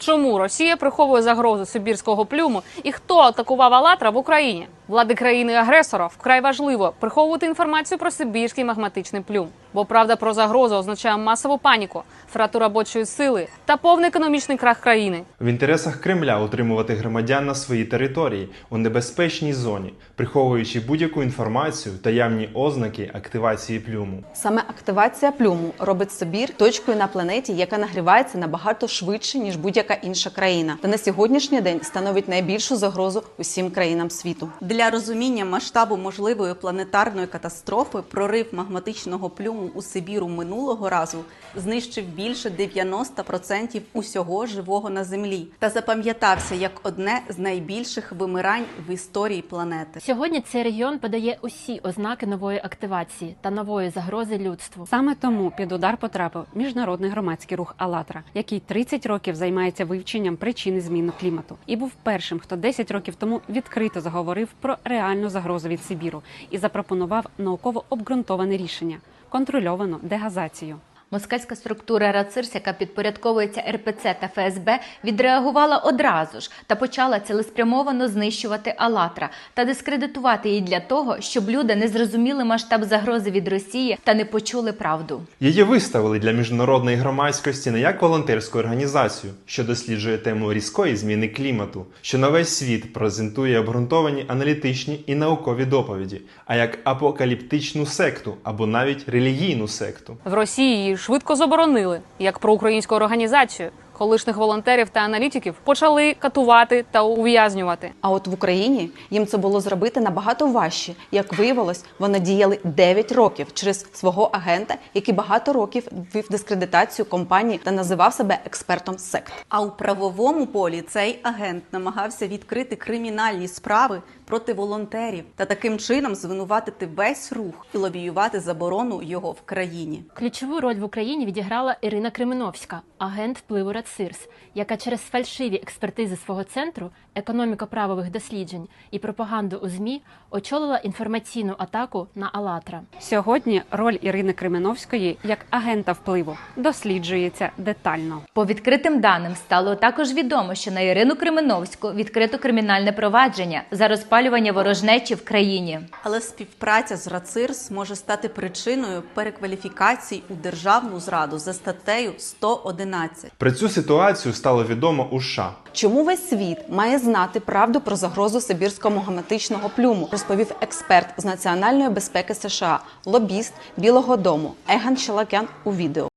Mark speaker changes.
Speaker 1: Чому Росія приховує загрозу сибірського плюму і хто атакував «АЛЛАТРА» в Україні? Влади країни-агресора вкрай важливо приховувати інформацію про сибірський магматичний плюм. Бо правда про загрозу означає масову паніку, втрату робочої сили та повний економічний крах країни.
Speaker 2: В інтересах Кремля утримувати громадян на своїй території у небезпечній зоні, приховуючи будь-яку інформацію та явні ознаки активації плюму.
Speaker 3: Саме активація плюму робить Сибір точкою на планеті, яка нагрівається набагато швидше, ніж будь-яка інша країна. Та на сьогоднішній день становить найбільшу загрозу усім країнам світу.
Speaker 4: Для розуміння масштабу можливої планетарної катастрофи прорив магматичного плюму у Сибіру минулого разу знищив більше 90% усього живого на Землі та запам'ятався як одне з найбільших вимирань в історії планети.
Speaker 5: Сьогодні цей регіон подає усі ознаки нової активації та нової загрози людству.
Speaker 6: Саме тому під удар потрапив міжнародний громадський рух «АЛЛАТРА», який 30 років займається вивченням причини зміни клімату. І був першим, хто 10 років тому відкрито заговорив про реальну загрозу від Сибіру і запропонував науково обґрунтоване рішення – контрольовану дегазацію.
Speaker 7: Москальська структура РАЦИРС, яка підпорядковується РПЦ та ФСБ, відреагувала одразу ж та почала цілеспрямовано знищувати «АЛЛАТРА» та дискредитувати її для того, щоб люди не зрозуміли масштаб загрози від Росії та не почули правду.
Speaker 2: Її виставили для міжнародної громадськості не як волонтерську організацію, що досліджує тему різкої зміни клімату, що на весь світ презентує обґрунтовані аналітичні і наукові доповіді, а як апокаліптичну секту або навіть релігійну секту.
Speaker 1: В Росії її швидко заборонили, як проукраїнську організацію. Колишніх волонтерів та аналітиків почали катувати та ув'язнювати.
Speaker 3: А от в Україні їм це було зробити набагато важче. Як виявилось, вони діяли 9 років через свого агента, який багато років вів дискредитацію компанії та називав себе експертом сект.
Speaker 4: А у правовому полі цей агент намагався відкрити кримінальні справи проти волонтерів та таким чином звинуватити весь рух і лобіювати заборону його в країні.
Speaker 5: Ключову роль в Україні відіграла Ірина Кременовська, агент впливу РАЦИРС, яка через фальшиві експертизи свого центру економіко-правових досліджень і пропаганду у ЗМІ очолила інформаційну атаку на «АЛЛАТРА».
Speaker 6: Сьогодні роль Ірини Кременовської як агента впливу досліджується детально.
Speaker 7: По відкритим даним стало також відомо, що на Ірину Кременовську відкрито кримінальне провадження за розпалювання ворожнечі в країні.
Speaker 4: Але співпраця з РАЦИРС може стати причиною перекваліфікації у державну зраду за статтею 111.
Speaker 2: Про цю ситуацію стало відомо у США.
Speaker 3: Чому весь світ має знати правду про загрозу сибірського магматичного плюму, розповів експерт з національної безпеки США, лобіст Білого дому Еган Шелакян у відео.